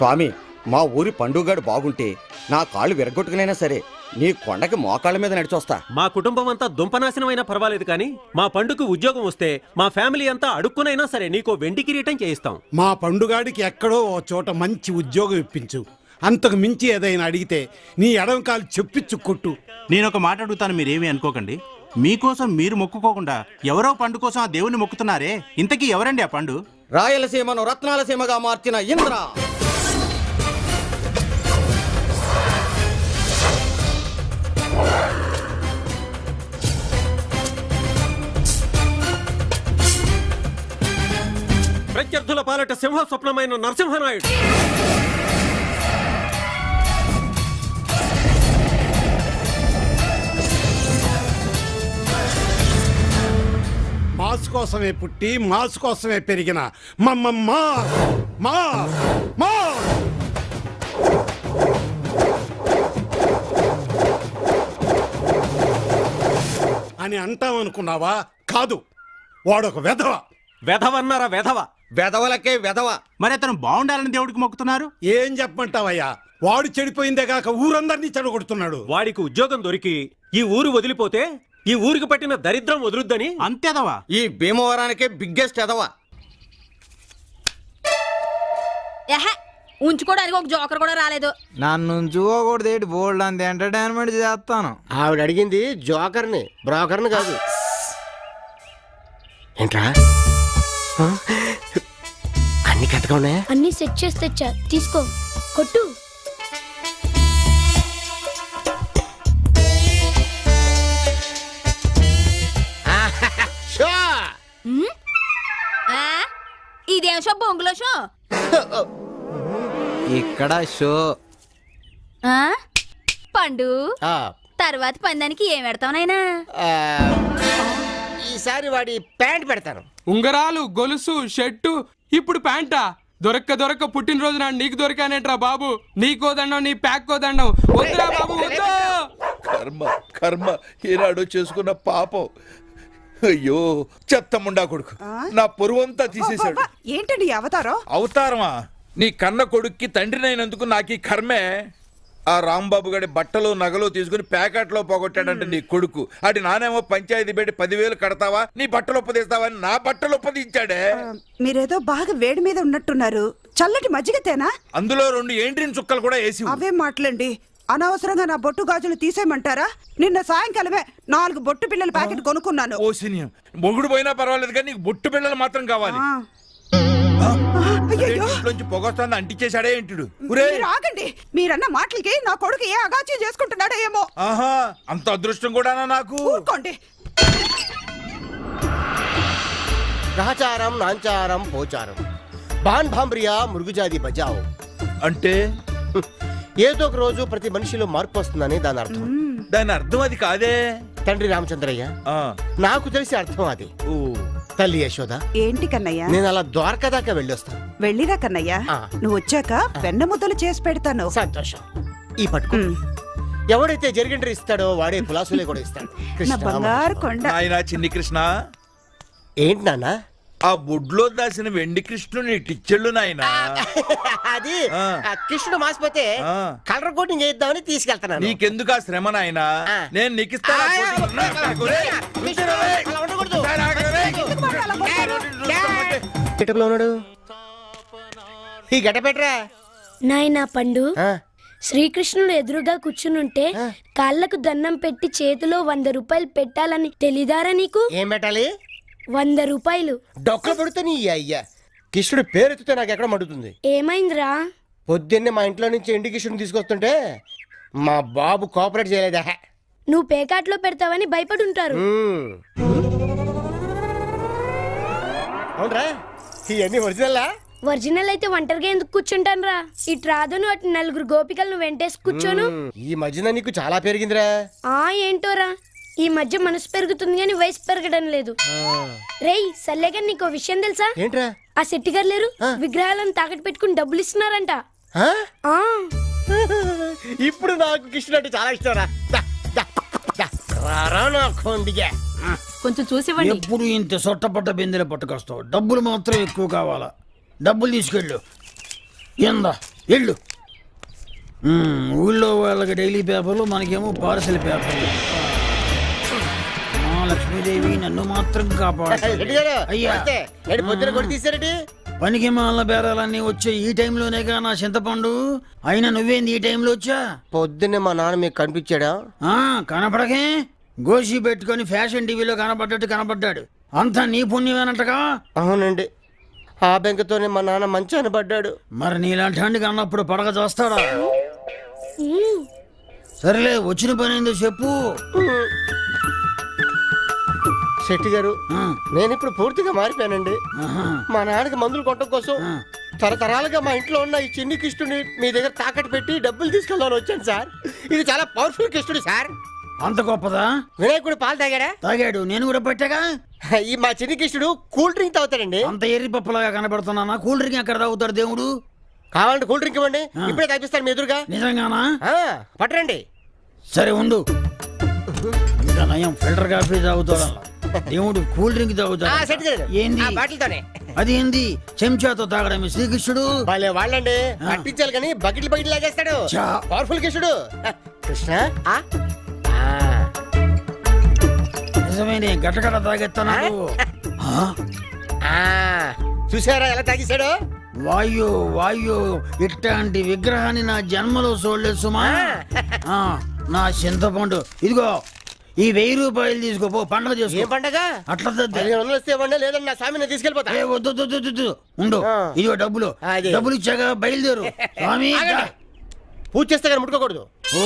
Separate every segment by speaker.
Speaker 1: స్వామి, మా ఊరి పండుగాడు బాగుంటే నా కాళ్ళు విరగొట్టుకునైనా సరే నీ కొండకి మోకాళ్ళ మీద నడిచొస్తా.
Speaker 2: మా కుటుంబం అంతా దుంపనాశనమైనా పర్వాలేదు కానీ మా పండుకు ఉద్యోగం వస్తే మా ఫ్యామిలీ అంతా అడుక్కునైనా సరే నీకో వెండి కిరీటం చేయిస్తాం.
Speaker 3: మా పండుగాడికి ఎక్కడో ఓ చోట మంచి ఉద్యోగం ఇప్పించు. అంతకు మించి ఏదైనా అడిగితే నీ ఎడమ కాలు చెప్పిచ్చు కొట్టు.
Speaker 4: నేను ఒక మాట అడుగుతాను, మీరేమీ అనుకోకండి. మీకోసం మీరు మొక్కుకోకుండా ఎవరో పండు కోసం ఆ దేవుని మొక్కుతున్నారే, ఇంతకీ ఎవరండి ఆ పండు?
Speaker 1: రాయలసీమను రత్నాలసీమగా మార్చిన ఇంద్ర.
Speaker 2: ప్రత్యర్థుల పాలట సింహ స్వప్నమైన నరసింహనాయుడు.
Speaker 3: మాస్ కోసమే పుట్టి మాస్ కోసమే పెరిగిన మమ్మమ్మా మా మా అని అంటామనుకున్నావా? కాదు, వాడొక వెధవ.
Speaker 2: వెధవన్నారా వెధవ?
Speaker 1: వెధవలకే వెధవ.
Speaker 4: మరి అతను బాగుండాలని దేవుడికి మొక్కుతున్నారు.
Speaker 3: ఏం చెప్పమంటావయ్యా, వాడు చెడిపోయిందే కాక ఊరందరినీ చెడగొడుతున్నాడు.
Speaker 2: వాడికి ఉద్యోగం దొరికి ఈ ఊరు వదిలిపోతే ఈ ఊరికి పట్టిన దరిద్రం వదులుద్దని
Speaker 4: అంతేదవా?
Speaker 1: ఈ భీమవరానికే బిగ్గెస్ట్ ఎదవ.
Speaker 5: ఉంచుకోవడానికి ఒక జోకర్ కూడా రాలేదు.
Speaker 6: నన్ను ఉంచుకోకూడదు, బోల్డ్ అంత ఎంటర్టైన్మెంట్ చేస్తాను.
Speaker 7: ఆవిడ అడిగింది జోకర్ని, బ్రోకర్ని కాదు. ఏంట్రా అన్ని కథగా ఉన్నాయా?
Speaker 8: అన్ని సెట్ చేసి తెచ్చా, తీసుకో, కొట్టు.
Speaker 5: ఇదేం షో? బొంగులో షో.
Speaker 6: ఇక్కడ షో.
Speaker 5: పండు తర్వాత పందానికి ఏం పెడతావు నాయనా?
Speaker 7: ఈసారి వాడి ప్యాంట్ పెడతాను.
Speaker 9: ఉంగరాలు, గొలుసు, షర్టు, ఇప్పుడు ప్యాంటా? దొరక్క పుట్టినరోజు నాడు నీకు దొరికానేట్రా బాబు. నీకోదండం, నీ ప్యాక్ కోదండం. వద్దురా బాబు, వద్దు.
Speaker 10: కర్మ ఏనాడో చేసుకున్న పాపం. అయ్యో చెత్తముండా కొడుకు నా పొరువంతా తీసేశాడు.
Speaker 11: ఏంటండి అవతారం?
Speaker 10: అవతారమా? నీ కన్న కొడుక్కి తండ్రినైనందుకు నాకు ఈ కర్మే. ఆ రాంబాబు గడి బట్టలు నగలు తీసుకుని ప్యాకెట్లో పోగొట్టాడంటే నీ కొడుకు. అటు నానేమో పంచాయతీ పెట్టి 10,000 కడతావా, నీ బట్టలు ఒప్పదీస్తావని నా బట్టలు ఒప్పదించాడే.
Speaker 11: మీరేదో బాగా వేడి మీద ఉన్నట్టున్నారు. చల్లటి మజ్జిగతేనా?
Speaker 10: అందులో 2 ఏంట్రిన్ చుక్కలు కూడా వేసి.
Speaker 11: అవే మాటలండి. అనవసరంగా నా బొట్టు గాజులు తీసేయమంటారా? నిన్న సాయంకాలమే 4 బొట్టు పిల్లల ప్యాకెట్ కొనుక్కున్నాను.
Speaker 10: ఓ సినియం, మొగుడు పోయినా పర్వాలేదు కానీ నీకు బొట్టు పిల్లలు మాత్రం కావాలి. పొగొస్తాను అంటించేశాడే ఏంటుడు.
Speaker 11: ఆగండి, మీరన్న మాటలకి నా కొడుకు ఏ అగాచ్యం చేసుకుంటున్నాడో ఏమో.
Speaker 10: ఆహా, అంత అదృష్టం కూడానా నాకు?
Speaker 11: ఊరుకోండి.
Speaker 7: గ్రహచారం, నాంచారం, పోచారం, బాన్ భాంబ్రియా, మృగుజాది బజావ్.
Speaker 10: అంటే
Speaker 7: ఏదో ఒక రోజు ప్రతి మనిషిలో మార్పు వస్తుందని దాని అర్థం.
Speaker 10: దాని అర్థం అది కాదే.
Speaker 7: తండ్రి రామచంద్రయ్య, నాకు తెలిసి అర్థం అది. తల్లి యశోద,
Speaker 11: ఏంటి కన్నయ్య?
Speaker 7: నేను అలా ద్వారకా దాకా వెళ్ళొస్తాను.
Speaker 11: వెళ్ళిరా కన్నయ్య, నువ్వు వచ్చాక వెన్న ముద్దలు చేసి పెడతాను.
Speaker 7: సంతోషం. ఈ పట్టుకు ఎవడైతే జరిగిండ్రి ఇస్తాడో వాడే పులాసులే కూడా ఇస్తాడు.
Speaker 11: నా బంగారు కొండ.
Speaker 10: ఆయన చిన్ని కృష్ణ.
Speaker 7: ఏంటి నాన్న?
Speaker 10: ఆ బుడ్లో దాసిన వెండి కృష్ణుని టిచ్చెళ్ళు నాయన.
Speaker 7: అది కృష్ణుడు మాసిపోతే కలర్ కోటింగ్ చేద్దామని తీసుకెళ్తాను.
Speaker 10: నీకెందుకు ఆ శ్రమ నాయన, నేను నీకు ఇస్తాను.
Speaker 7: ఈ గడ్డ పెట్టరా
Speaker 8: నాయనా పండు. శ్రీకృష్ణుడు ఎదురుగా కూర్చునుంటే కాళ్ళకు దండం పెట్టి చేతిలో 100 రూపాయలు పెట్టాలని తెలీదారా నీకు?
Speaker 7: ఏం పెట్టాలి?
Speaker 8: 100 రూపాయలు.
Speaker 7: డొక్కలు పడితే నీ అయ్యా కృష్ణుడు పేరెత్తితే నాకు ఎక్కడ మండుతుంది.
Speaker 8: ఏమైందిరా?
Speaker 7: పొద్దున్నే మా ఇంట్లో నుంచి ఎండి కృష్ణుడు తీసుకొస్తుంటే మా బాబు కోఆపరేట్ చేయలేదా?
Speaker 8: నువ్వు పేకాట్లో పెడతావని భయపడి ఉంటారు.
Speaker 7: అవునరా, ఇవన్నీ ఒరిజినల్లా?
Speaker 8: ఒరిజినల్ అయితే ఒంటరిగా ఎందుకు కూర్చుంటాను రా? ఇటు రాదును అటు 4 గోపికలను వెంటేసి కూర్చోను.
Speaker 7: ఈ మధ్యన నీకు చాలా పెరిగిందిరా.
Speaker 8: ఏంటోరా, ఈ మధ్య మనసు పెరుగుతుంది కానీ వయసు పెరగడం లేదు. రేయ్ సల్లేగా నీకు విషయం తెలుసా?
Speaker 7: ఏంట్రా?
Speaker 8: ఆ శెట్టి గారు లేరు, విగ్రహాలను తాకట్టు పెట్టుకుని డబ్బులు ఇస్తున్నారంట.
Speaker 7: ఇప్పుడు నాకు కృష్ణుడు అంటే చాలా ఇష్టం రా.
Speaker 5: కొంచెం చూసివ్వండి.
Speaker 12: ఎప్పుడు ఇంత సొట్టపట్ట బిందెలు పట్టుకొస్తావు? డబ్బులు మాత్రం ఎక్కువ కావాలా? డబ్బులు తీసుకెళ్ళు. ఏందా ఎళ్ళు. ఊళ్ళో వాళ్ళకి డైలీ పేపర్లు, మనకేమో పార్సల్ పేపర్లు. లక్ష్మీదేవి నన్ను మాత్రం కాపాడు. అయ్యా
Speaker 7: పొద్దున కొట్టి తీసారటి
Speaker 12: పనికి మాల బేరాలన్నీ వచ్చే ఈ టైంలోనేగా నా చింతపండు. అయినా నువ్వేంది ఈ టైంలో వచ్చా?
Speaker 7: పొద్దున్నే మా నాన్న మీకు కనిపించాడా?
Speaker 12: కనపడకే, గోషి పెట్టుకొని ఫ్యాషన్ టీవీలో కనపడ్డట్టు కనపడ్డాడు. అంతా నీ పుణ్యమేనంటగా?
Speaker 7: అవునండి, ఆ బెంకతోనే మా నాన్న మంచి అనబడ్డాడు.
Speaker 12: మరి నీలాంటి హండికి అన్నప్పుడు పడగ చేస్తాడా? సరేలే, వచ్చిన పని ఏందో చెప్పు.
Speaker 7: శెట్టి గారు, నేను ఇప్పుడు పూర్తిగా మారిపోయానండి. మా నాన్నకి మందులు కొట్టడం కోసం తరతరాలుగా మా ఇంట్లో ఉన్న ఈ చిన్ని కిష్టుని మీ దగ్గర తాకట్టు పెట్టి డబ్బులు తీసుకెళ్దామని వచ్చాను సార్. ఇది చాలా పవర్ఫుల్ కిష్టుడు సార్.
Speaker 12: అంత గొప్పదా?
Speaker 7: వినాయకుడు పాలు తాగాడా?
Speaker 12: తాగాడు, నేను కూడా పెట్టాగా.
Speaker 7: ఈ మా చిన్ని కిష్టుడు కూల్ డ్రింక్ తాగుతాడండి.
Speaker 12: అంత ఎర్రి పప్పులాగా కనబడుతున్నానా? కూల్ డ్రింక్ ఎక్కడ తాగుతాడు దేవుడు?
Speaker 7: కావాలంటే కూల్ డ్రింక్ ఇవ్వండి, ఇప్పుడే తాగిస్తాను మీ ఎదురుగా.
Speaker 12: నిజంగానా?
Speaker 7: పట్టరండి.
Speaker 12: సరే ఉండు. ఇంకా నయం ఫిల్టర్ కాఫీ తాగుతాడు, దేవుడు కూల్ డ్రింక్ తాగుతాడు. ఏంది అది? ఏంది చెంచాతో తాగడమే శ్రీకృష్ణుడు?
Speaker 7: వాళ్ళండి పట్టించాలి కానీ బకెట్లు లాగేస్తాడు. పవర్ఫుల్ కృష్ణుడు. కృష్ణ
Speaker 12: నిజమేనే, గట్టగట్ట తాగెత్తన్నాడు.
Speaker 7: చూసారా ఎలా తాగేశాడు?
Speaker 12: వాయు వాయు, ఇట్లాంటి విగ్రహాన్ని నా జన్మలో చూడలేదు సుమా. నా చింతపండు ఇదిగో, ఈ 1000 రూపాయలు తీసుకోపో, పండుగ చేసుకో.
Speaker 7: పండగ?
Speaker 12: అట్లా
Speaker 7: లేదండి, నా స్వామిని తీసుకెళ్ళిపోతా.
Speaker 12: వద్దు ఉండు, ఇదిగో డబ్బులు. డబ్బులు ఇచ్చాక బయలుదేరు. స్వామి
Speaker 7: పూజ చేస్తే కానీ ముట్టుకోకూడదు.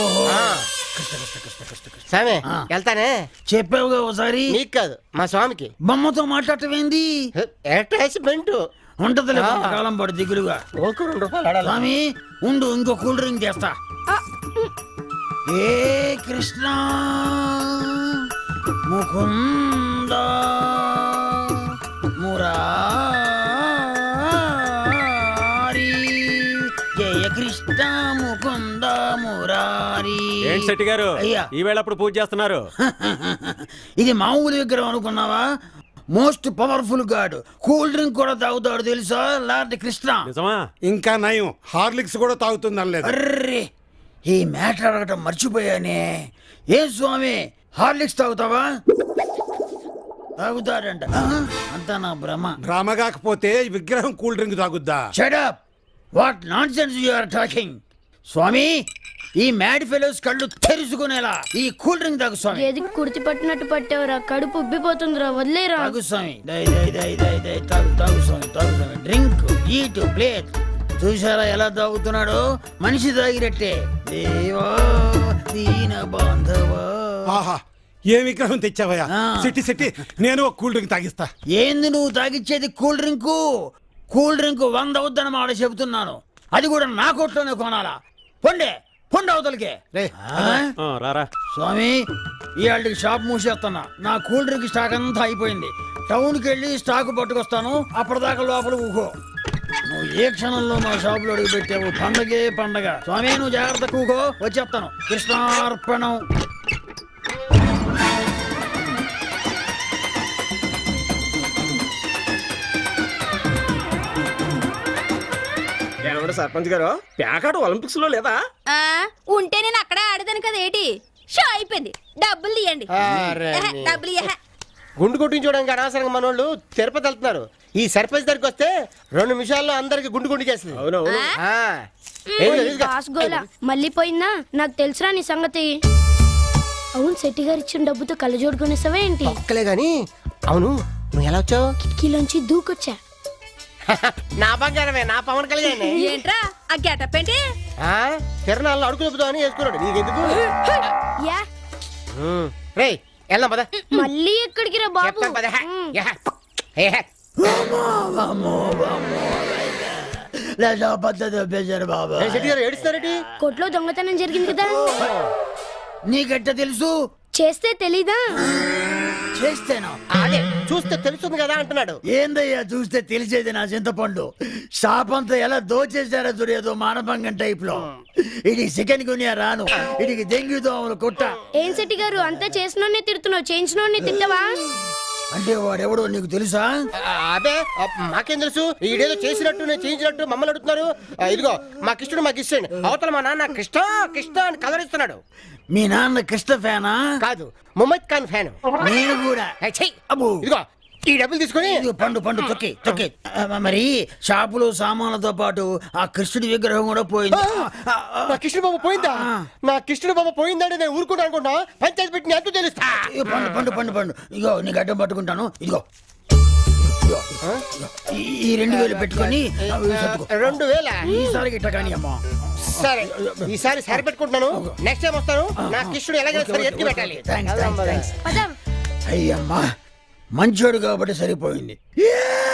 Speaker 7: స్వామి వెళ్తానే.
Speaker 12: చెప్పావుగా ఒకసారి.
Speaker 7: నీకు కాదు, మా స్వామికి.
Speaker 12: బొమ్మతో మాట్లాడటమేంది?
Speaker 7: అటాచ్మెంట్
Speaker 12: ఉంటదిలే, కాలం పాటు దిగులుగా. స్వామి ఉండు, ఇంకో కూల్ డ్రింక్ చేస్తా. ఏ కృష్ణ ముకుంద మురారి, జయ కృష్ణ ముకుంద మురారి.
Speaker 2: ఏంటి శెట్టి గారు,
Speaker 12: అయ్యా
Speaker 2: ఈ వేళ అప్పుడు పూజ చేస్తున్నారు?
Speaker 12: ఇది మామూలు విగ్రహం అనుకున్నావా? Most powerful god. Cool drink కూడా తాగుతాడు తెలుసా, లార్డ్ కృష్ణ.
Speaker 3: ఇంకా నయం, హార్లిక్స్ కూడా తాగుతుంది అనలేదు.
Speaker 12: అర్రే, ఈ మ్యాటర్ అడగటం మర్చిపోయానే. ఏ స్వామి, హార్లిక్స్ తాగుతావా? తాగుతాడంట. అంతా నా భ్రమ
Speaker 3: కాకపోతే విగ్రహం కూల్ డ్రింక్ తాగుద్దా?
Speaker 12: Shut up, what nonsense you are talking. స్వామి, ఈ మ్యాడ్ ఫెలోస్ కళ్ళు తెరుచుకునేలా ఈ కూల్ డ్రింక్ తాగు స్వామి.
Speaker 8: ఏది కుర్తి పట్టినట్టు పట్టేవరా, కడుపు ఉబ్బిపోతుందిరా, వదిలేరా.
Speaker 12: తాగు స్వామి, తాగు స్వామి. Drink, eat, plate. చూసారా ఎలా తాగుతున్నాడు? మనిషి తాగినట్టే. దేవా దీన బాంధవా.
Speaker 3: ఆహా, ఏ విగ్రహం తెచ్చావయ్యా? సిట్టి నేను ఒక కూల్ డ్రింక్ తాగిస్తా.
Speaker 12: ఏంది నువ్వు తాగిచ్చేది? కూల్ డ్రింకు 100 అవుద్దని మాట చెబుతున్నాను. అది కూడా నా కొట్లోనే కొనాలా? పొండి అవతలికే.
Speaker 2: రారా
Speaker 12: స్వామి, ఇవాళకి షాప్ మూసేస్తున్నా. నా కూల్ డ్రింక్ స్టాక్ అంతా అయిపోయింది. టౌన్కి వెళ్ళి స్టాక్ పట్టుకొస్తాను. అప్పటిదాకా లోపల ఊకో. నువ్వు ఏ క్షణంలో మా షాపులో అడుగు పెట్టావు, పండగే పండగ. స్వామి నువ్వు జాగ్రత్త, కూకో, వచ్చేస్తాను. కృష్ణార్పణం.
Speaker 1: సర్పంచ్ గారు, ప్యాకాట ఒలింపిక్స్ లో లేదా?
Speaker 5: ఉంటే నేను అక్కడే ఆడదాను కదా. ఏంటి షో అయిపోయింది, డబ్బులు తీయండి. డబ్బులు
Speaker 7: గుండు కొట్టించుకోవడానికి అనవసరంగా మనోళ్ళు తిరుపతి వెళ్తున్నారు. ఈ సర్పంచ్ దగ్గరికి వస్తే 2 నిమిషాల్లో అందరికి గుండు చేస్తుంది.
Speaker 8: మళ్ళీ పోయిందా? నాకు తెలుసురా నీ సంగతి. అవును, శెట్టి గారు ఇచ్చిన డబ్బుతో కళ్ళజోడు కొనేసావా ఏంటి?
Speaker 7: ఒక్కలే గాని. అవును, నువ్వు ఎలా వచ్చావు?
Speaker 8: కిటికీలోంచి దూకొచ్చా.
Speaker 7: నా బంగారమే, నా పవన్ కళ్యాణ్.
Speaker 5: ఏంట్రా ఆ గెటప్ ఏంటి?
Speaker 7: తిరణాల్లో అడుగు చెబుతామని వేసుకున్నాడు. నీకెందుకు? రేయ్ వెళ్దాం పద.
Speaker 8: మళ్ళీ ఎక్కడికి రా బాబు? కొట్లో దొంగతనం జరిగింది కదా.
Speaker 12: నీకెట్ట తెలుసు?
Speaker 8: చేస్తే తెలీదా?
Speaker 12: చేస్తేనా?
Speaker 7: అదే చూస్తే తెలుస్తుంది కదా అంటున్నాడు.
Speaker 12: ఏందయ్యా చూస్తే తెలిసేది నా చింతపండు. షాప్ అంతా ఎలా దోచేసారో చూడేదో మానభంగం టైప్ లో. ఇది చికెన్ గునియా రాను, ఇడికి దెంగి దోమలు కొట్ట.
Speaker 8: ఏం శెట్టి గారు, అంతా చేసినోడ్నే తిడుతున్నావు, చేయించినోడ్ని తిట్టవా?
Speaker 12: అంటే వాడెవడో నీకు తెలుసా?
Speaker 7: అదే మాకేం తెలుసు, ఈడేదో చేసినట్టు నేను చేయించినట్టు మమ్మల్ని అడుగుతున్నారు. ఇదిగో మా కృష్ణుడు మాకు ఇష్టండి, అవతల మా నాన్న కృష్ణ కృష్ణ అని కలర్ ఇస్తున్నాడు.
Speaker 12: మీ నాన్న కృష్ణ ఫ్యానా?
Speaker 7: కాదు, ముమ్మద్ ఖాన్ ఫ్యాన్.
Speaker 12: నేను కూడా. అబ్బో.
Speaker 7: ఇదిగో ఈ డబ్బులు తీసుకొని
Speaker 12: ఇదిగో పండు పండు తొక్కి తొక్కి. మరి షాపులో సామాన్లతో పాటు ఆ కృష్ణుడి విగ్రహం కూడా పోయింది.
Speaker 7: నా కృష్ణుడు బాబు పోయిందా? నా కృష్ణుడు బాబు పోయిందంటే నేను ఊరుకుంటా అనుకుంటా, పంచాయతీ పెట్టి ఎంతో తెలుస్తా.
Speaker 12: ఇదిగో పండు పండు పండు పండు. ఇగో నీకు అడ్డం పట్టుకుంటాను. ఇదిగో ఈ 2000 పెట్టుకొని
Speaker 7: 2000
Speaker 12: ఈసారి గిట్ట కానీ అమ్మా.
Speaker 7: సరే, ఈసారి సరి పెట్టుకుంటున్నాను. నెక్స్ట్ టైం వస్తాను. నా కృష్ణుడు ఎలాగైనా సరే ఎత్తి పెట్టాలి.
Speaker 12: అయ్యమ్మా మంచోడు కాబట్టి సరిపోయింది.